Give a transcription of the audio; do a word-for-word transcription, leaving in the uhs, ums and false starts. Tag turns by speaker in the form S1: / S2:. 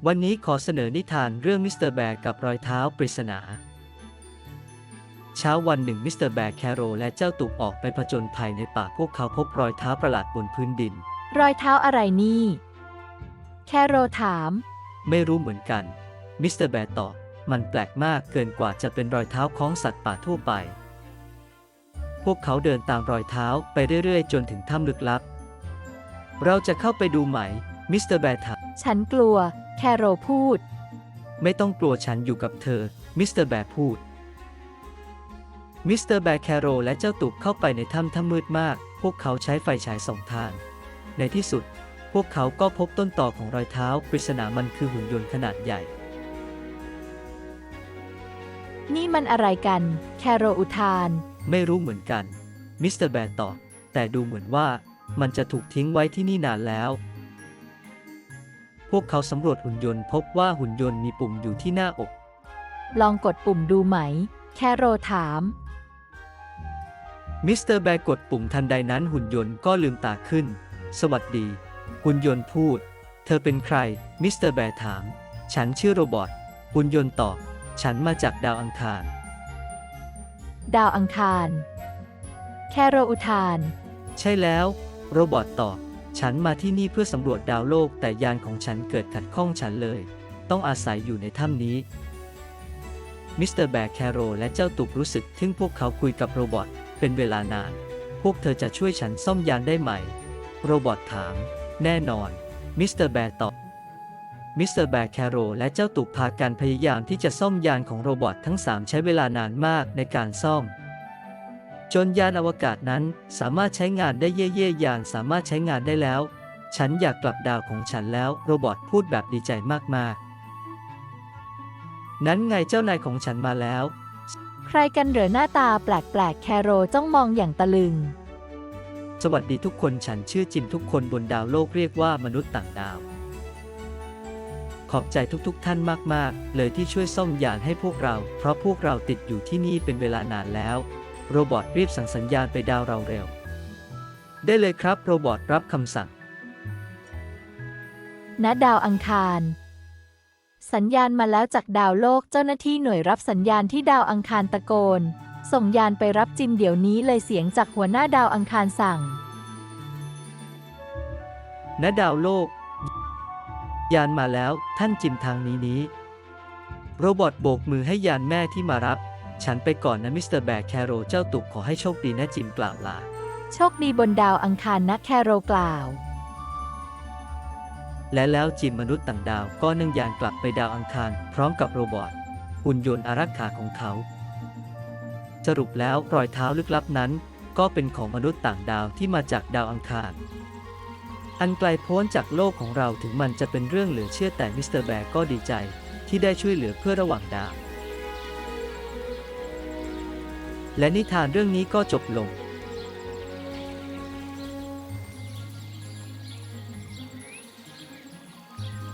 S1: วันนี้ขอเสนอนิทานเรื่องมิสเตอร์แบร์กับรอยเท้าปริศนาเช้าวันหนึ่งมิสเตอร์แบร์แคโรและเจ้าตุกออกไปผจญภัยในป่าพวกเขาพบรอยเท้าประหลาดบนพื้นดิน
S2: รอยเท้าอะไรนี่แคโรถาม
S1: ไม่รู้เหมือนกันมิสเตอร์แบร์ตอบมันแปลกมากเกินกว่าจะเป็นรอยเท้าของสัตว์ป่าทั่วไปพวกเขาเดินตามรอยเท้าไปเรื่อยๆจนถึงถ้ำลึกลับเราจะเข้าไปดูไหมมิสเตอร์แบร์ถาม
S2: ฉันกลัวแคโรพูด
S1: ไม่ต้องกลัวฉันอยู่กับเธอมิสเตอร์แบร์พูดมิสเตอร์แบร์แคโรและเจ้าตุกเข้าไปในถ้ำถ้ำมืดมากพวกเขาใช้ไฟฉายส่องทางในที่สุดพวกเขาก็พบต้นต่อของรอยเท้าปริศนามันคือหุ่นยนต์ขนาดใหญ่
S2: นี่มันอะไรกันแคโรอุทาน
S1: ไม่รู้เหมือนกันมิสเตอร์แบร์ตอบแต่ดูเหมือนว่ามันจะถูกทิ้งไว้ที่นี่นานแล้วพวกเขาสำรวจหุ่นยนต์พบว่าหุ่นยนต์มีปุ่มอยู่ที่หน้าอก
S2: ลองกดปุ่มดูไหมแคโรถาม
S1: มิสเตอร์แบร์กดปุ่มทันใดนั้นหุ่นยนต์ก็ลืมตาขึ้นสวัสดีหุ่นยนต์พูดเธอเป็นใครมิสเตอร์แบร์ถามฉันชื่อโรบอทหุ่นยนต์ตอบฉันมาจากดาวอังคาร
S2: ดาวอังคารแคโรอุทาน
S1: ใช่แล้วโรบอทตอบฉันมาที่นี่เพื่อสำรวจดาวโลกแต่ยานของฉันเกิดขัดข้องฉันเลยต้องอาศัยอยู่ในถ้ำนี้มิสเตอร์แบร์แคโรและเจ้าตุกรู้สึกทึ่งพวกเขาคุยกับโรบอทเป็นเวลานานพวกเธอจะช่วยฉันซ่อมยานได้ไหมโรบอทถามแน่นอนมิสเตอร์แบร์ตอบมิสเตอร์แบร์แคโรและเจ้าตุกพากันพยายามที่จะซ่อมยานของโรบอททั้งสามใช้เวลานานมากในการซ่อมจนยานอวกาศนั้นสามารถใช้งานได้เย่เย่ยานสามารถใช้งานได้แล้วฉันอยากกลับดาวของฉันแล้วโรบอทพูดแบบดีใจมากๆนั้นไงเจ้านายของฉันมาแล้ว
S2: ใครกันเหรอหน้าตาแปลกๆแคโรจ้องมองอย่างตะลึง
S1: สวัสดีทุกคนฉันชื่อจิมทุกคนบนดาวโลกเรียกว่ามนุษย์ต่างดาวขอบใจทุกๆท่านมากๆเลยที่ช่วยซ่อมยานให้พวกเราเพราะพวกเราติดอยู่ที่นี่เป็นเวลานานแล้วโรบอทรีบสั่งสัญญาณไปดาวเราเร็วได้เลยครับโรบอทรับคำสั่ง
S2: ณดาวอังคารสัญญาณมาแล้วจากดาวโลกเจ้าหน้าที่หน่วยรับสัญญาณที่ดาวอังคารตะโกนส่งยานไปรับจิมเดี๋ยวนี้เลยเสียงจากหัวหน้าดาวอังคารสั่ง
S1: ณดาวโลกยานมาแล้วท่านจิมทางนี้นี้โรบอทโบกมือให้ยานแม่ที่มารับฉันไปก่อนนะมิสเตอร์แบร์แคโรเจ้าตุกขอให้โชคดีนะจิมกล่าวลา
S2: โชคดีบนดาวอังคารนะแคโรกล่าว
S1: และแล้วจิมมนุษย์ต่างดาวก็นั่งยานกลับไปดาวอังคารพร้อมกับโรบอทหุ่นยนต์อารักขาของเขาสรุปแล้วรอยเท้าลึกลับนั้นก็เป็นของมนุษย์ต่างดาวที่มาจากดาวอังคารอันไกลโพ้นจากโลกของเราถึงมันจะเป็นเรื่องเหลือเชื่อแต่มิสเตอร์แบร์ก็ดีใจที่ได้ช่วยเหลือเพื่อระหว่างดาวและนิทานเรื่องนี้ก็จบลง